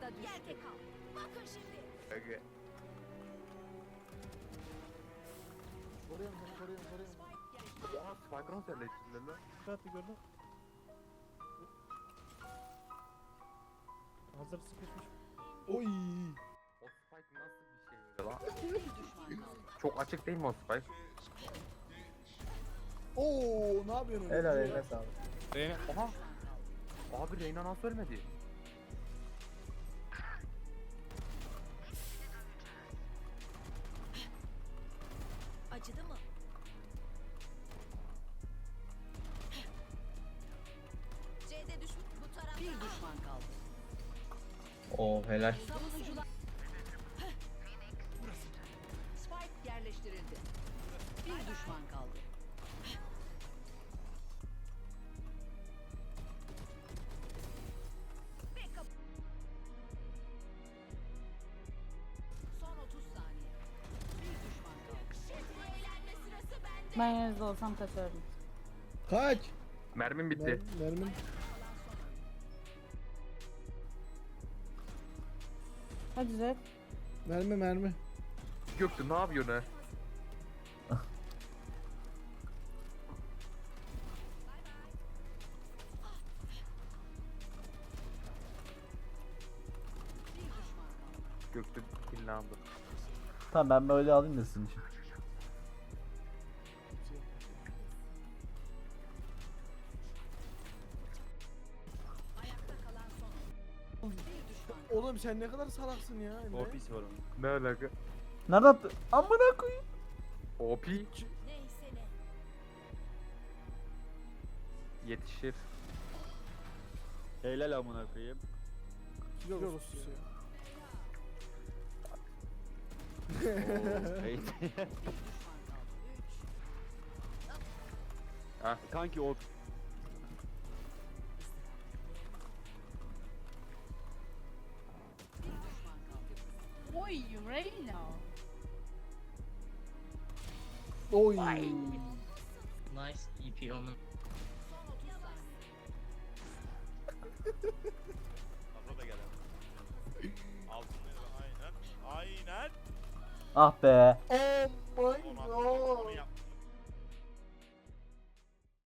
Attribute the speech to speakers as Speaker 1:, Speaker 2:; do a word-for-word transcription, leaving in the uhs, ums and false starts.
Speaker 1: A'da düştü. Yerde kal. Bakın şimdi.
Speaker 2: Aga.
Speaker 3: Koruyorum seni, koruyorum, koruyorum.
Speaker 2: Aa Spike'ın sen içinde lan.
Speaker 4: Dikkatli gördün. Hazır sıkışmış.
Speaker 3: Oy.
Speaker 2: O Spike nasıl bir şey öyle lan?
Speaker 1: Bir düşman kaldı.
Speaker 2: Çok açık değil mi o Spike?
Speaker 3: Oo, ne yapıyorsun öyle?
Speaker 5: Helal eline sağlık.
Speaker 2: Reyna. Aha. Abi Reyna nasıl ölmedi?
Speaker 1: Acıdı mı? C'de düşman. Bu tarafta. Bir düşman kaldı.
Speaker 5: Oo helal.
Speaker 1: Savunucular. Spike yerleştirildi. Bir düşman kaldı. Backup. Son otuz saniye. Bir düşman kaldı. Şimdi eğlenme sırası bende.
Speaker 6: Ben yerinizde olsam kaçardım.
Speaker 3: Kaç.
Speaker 2: Mermim bitti.
Speaker 3: Mer- mermin.
Speaker 6: Hadi Zed.
Speaker 3: Mermi, mermi.
Speaker 2: Göktü ne yapıyorsun ha?
Speaker 1: Bir düşman kaldı.
Speaker 2: Göktü killandı.
Speaker 5: Tamam ben böyle alayım da sizin için.
Speaker 1: Ayakta kalan son. Bir düşman kaldı.
Speaker 3: Oğlum sen ne kadar salaksın ya Emre.
Speaker 4: Ofis var onun.
Speaker 2: Ne alaka?
Speaker 5: Nerede attı? Amına koyayım.
Speaker 2: O P
Speaker 1: Neyse ne.
Speaker 2: yetişir.
Speaker 4: Helal amına koyayım.
Speaker 3: Kilo olsun ya.
Speaker 4: Hey.
Speaker 1: Bir düşman kaldı. Üç.
Speaker 2: Ha.
Speaker 4: Kanki o
Speaker 1: Bir düşman kaldı.
Speaker 6: Oy Reyna.
Speaker 3: Oy.
Speaker 7: Nice E P onun.
Speaker 1: Son otuz saniye.
Speaker 8: Abla da gel abi. Altınları aynen. Aynen.
Speaker 5: Ah be.
Speaker 3: Om.